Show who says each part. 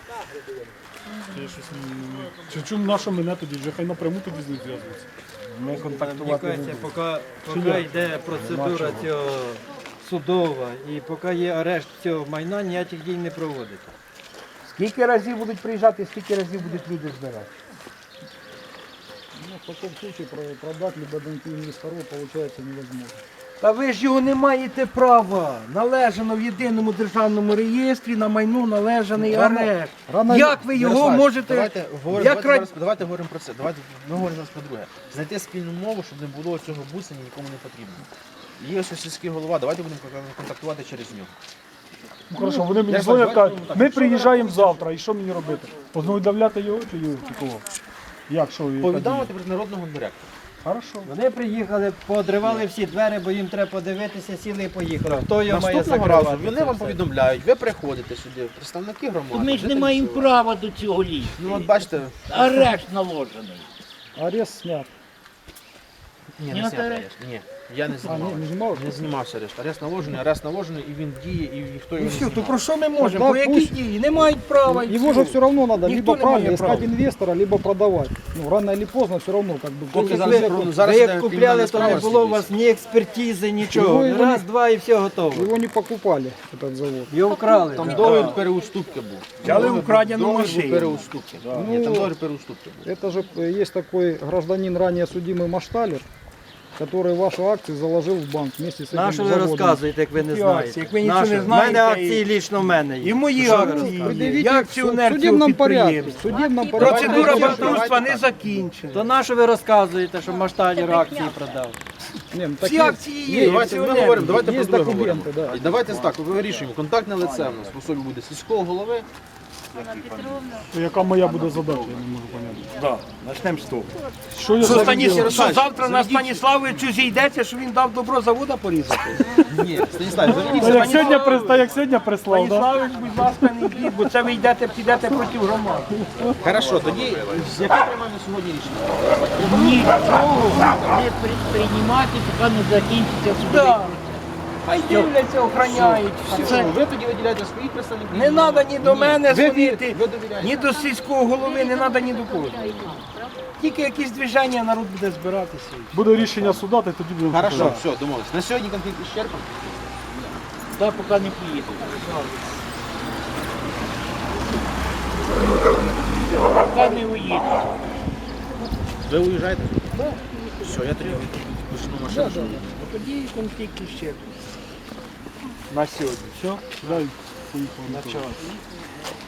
Speaker 1: Чому наша мене тоді? Вже хай напряму тоді з ним зв'язується.
Speaker 2: Ми контактувати не будемо. Поки йде процедура цього судова і поки є арешт цього майна, ніяких дій не проводиться.
Speaker 3: Скільки разів будуть приїжджати, скільки разів будуть люди збирати?
Speaker 1: Ну, в такому випадку продати либо доньки інвестору, виходить, невозможно.
Speaker 3: Та ви ж його не маєте права. Належано в єдиному державному реєстрі на майно належаний арешт. Як ви його можете...
Speaker 4: Давайте говоримо про це. Ми говоримо зараз про друге. Знайти спільну мову, щоб не було цього бусення, нікому не потрібно. Є ось сільський голова, давайте будемо контактувати через нього.
Speaker 1: Ну хорошо, вони мені дзвонять, кажуть, ми приїжджаємо завтра, і що мені робити? Познайомляти його чи його? Чи кого? Як, що?
Speaker 4: Повідомити про народного директора.
Speaker 1: Хорошо.
Speaker 2: Вони приїхали, поодривали всі двері, бо їм треба подивитися, сіли і поїхали. Хто його має
Speaker 4: Наступного разу
Speaker 2: закривати?
Speaker 4: вони вам повідомляють, ви приходите сюди, представники громади.
Speaker 5: Ми ж не
Speaker 4: жителі
Speaker 5: маємо
Speaker 4: села.
Speaker 5: права до цього лізти.
Speaker 4: Ну от бачите,
Speaker 5: Арешт наложений.
Speaker 1: Арест снят.
Speaker 4: ні,
Speaker 5: Ні,
Speaker 4: не зняв
Speaker 5: арешт.
Speaker 4: арешт. Ні, я не знімав.
Speaker 1: Не знімав?
Speaker 4: Не знімався арешт. Арешт наложений, і він діє, і ніхто
Speaker 3: І
Speaker 4: його
Speaker 3: все,
Speaker 4: не
Speaker 3: то
Speaker 4: знімав.
Speaker 3: про що ми можемо?
Speaker 1: Да,
Speaker 3: По які
Speaker 1: пусть.
Speaker 3: дії? Не мають права. і
Speaker 1: Его
Speaker 3: все.
Speaker 1: же все равно надо
Speaker 3: Никто
Speaker 1: либо
Speaker 3: не
Speaker 1: правильно
Speaker 3: имеет
Speaker 1: искать
Speaker 3: права.
Speaker 1: инвестора, либо продавать. Ну, рано или поздно все равно как бы.
Speaker 4: Поки
Speaker 1: кто-то
Speaker 4: зараз
Speaker 1: за-
Speaker 4: про- зараз
Speaker 2: Ви
Speaker 4: іде
Speaker 2: як купляли,
Speaker 4: кримінальна
Speaker 2: то не
Speaker 4: справа
Speaker 2: було у
Speaker 4: слідується.
Speaker 2: вас ні експертизи, нічого.
Speaker 1: Його
Speaker 2: Раз, два і все готово.
Speaker 1: Его не покупали, этот завод.
Speaker 2: Його вкрали.
Speaker 4: Там
Speaker 2: да.
Speaker 4: договір переуступки був.
Speaker 3: Взяли украдену
Speaker 4: Договір був
Speaker 3: машину.
Speaker 4: переуступки. Ні, там договір переуступки був.
Speaker 1: Это же есть такой гражданин, ранее судимый Машталер, который ваши акции заложил в банк вместе с этим
Speaker 2: На що ви
Speaker 1: заводом.
Speaker 2: розказуєте, як ви не
Speaker 3: Які
Speaker 2: знаєте?
Speaker 3: акції? Як ви нічого
Speaker 2: На
Speaker 3: не
Speaker 2: що?
Speaker 3: знаєте,
Speaker 2: В мене акції
Speaker 3: і-
Speaker 2: лічно в мене є.
Speaker 3: І мої
Speaker 2: Що ви
Speaker 3: акції
Speaker 2: розказуєте?
Speaker 3: є.
Speaker 1: Предъявите
Speaker 3: Я
Speaker 1: в
Speaker 3: акціонер цього
Speaker 1: судебном порядке.
Speaker 3: підприємства.
Speaker 1: В судебном порядке.
Speaker 3: Процедура
Speaker 4: Давайте,
Speaker 3: банкрутства
Speaker 4: давайте.
Speaker 3: не закінчена.
Speaker 2: То на що ви розказуєте, що Машталер акції продав?
Speaker 1: Не, ну,
Speaker 3: Всі
Speaker 1: такие-
Speaker 3: акції є.
Speaker 4: Давайте ми
Speaker 3: акціонери.
Speaker 4: говоримо, давайте
Speaker 1: Є
Speaker 4: про друге
Speaker 1: документи,
Speaker 4: говоримо.
Speaker 1: да.
Speaker 4: І давайте так, вирішуємо. Контактне лице в нас в особі буде сільського голови.
Speaker 1: То яка моя буде задача, я не можу поняти.
Speaker 3: Да, начнемо з того.
Speaker 1: Що я
Speaker 3: Що,
Speaker 1: за
Speaker 3: що завтра на Станіславовичу зійдеться, що він дав добро завода порізати?
Speaker 4: Ні, Станіслав, заведіться.
Speaker 1: як сьогодні прислав, да?
Speaker 3: Станіславович, будь ласка, не йдіть, бо це ви йдете, підете проти громади.
Speaker 4: Хорошо, тоді яке приймаємо сьогодні рішення?
Speaker 5: Нічого не приймати, поки не закінчиться судовий
Speaker 3: Да.
Speaker 5: процес.
Speaker 3: Хай дивляться, охороняють. Все.
Speaker 4: Ви тоді виділяєте своїх представників?
Speaker 3: Не треба ні до мене дзвонити,
Speaker 4: ви довіряєте.
Speaker 3: ні до сільського голови, не треба ні до кого. Тільки якісь движення, народ буде збиратися.
Speaker 1: Буде рішення суда, то тоді будемо.
Speaker 4: Хорошо, все, домовились. На сьогодні конфлікт ісчерпан.
Speaker 5: Та поки не поїду. Поки не уїду.
Speaker 4: Ви уїжджаєте? Так. Все, я тоді почну машину.
Speaker 3: Тоді конфлікт ще.
Speaker 1: На сьогодні. Все, дай поїхали.
Speaker 3: На час.